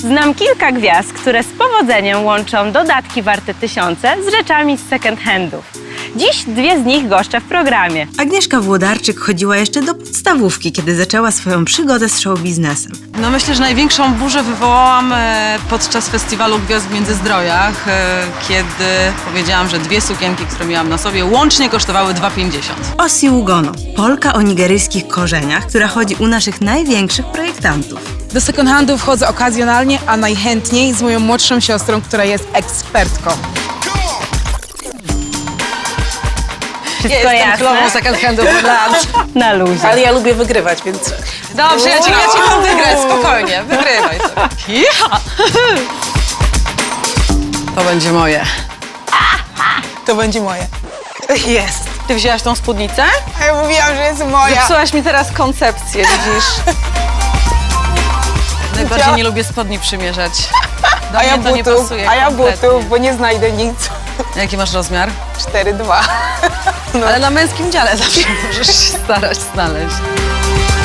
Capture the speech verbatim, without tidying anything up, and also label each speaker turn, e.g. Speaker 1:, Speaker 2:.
Speaker 1: Znam kilka gwiazd, które z powodzeniem łączą dodatki warte tysiące z rzeczami z second handów. Dziś dwie z nich goszczę w programie.
Speaker 2: Agnieszka Włodarczyk chodziła jeszcze do podstawówki, kiedy zaczęła swoją przygodę z show biznesem.
Speaker 3: No myślę, że największą burzę wywołałam e, podczas festiwalu Gwiazd w Międzyzdrojach, e, kiedy powiedziałam, że dwie sukienki, które miałam na sobie, łącznie kosztowały dwa pięćdziesiąt.
Speaker 2: Osi Ugono, Polka o nigeryjskich korzeniach, która chodzi u naszych największych projektantów.
Speaker 4: Do second handu wchodzę okazjonalnie, a najchętniej z moją młodszą siostrą, która jest ekspertką.
Speaker 1: Wszystko jasne?
Speaker 3: second handów od lat.
Speaker 1: Na luzie.
Speaker 4: Ale ja lubię wygrywać, więc...
Speaker 3: Dobrze, ja ci, ja ci mam wygrać, spokojnie, wygrywaj sobie. Ja. To będzie moje.
Speaker 4: To będzie moje.
Speaker 3: Jest. Ty wzięłaś tą spódnicę?
Speaker 4: A ja mówiłam, że jest moja.
Speaker 3: Zepsułaś mi teraz koncepcję, widzisz? Najbardziej nie lubię spodni przymierzać. Do
Speaker 4: A ja
Speaker 3: mnie to nie
Speaker 4: butów,
Speaker 3: pasuje
Speaker 4: a ja
Speaker 3: kompletnie.
Speaker 4: butów, bo nie znajdę nic.
Speaker 3: Jaki masz rozmiar?
Speaker 4: cztery dwa.
Speaker 3: Ale na męskim dziale zawsze możesz się starać znaleźć.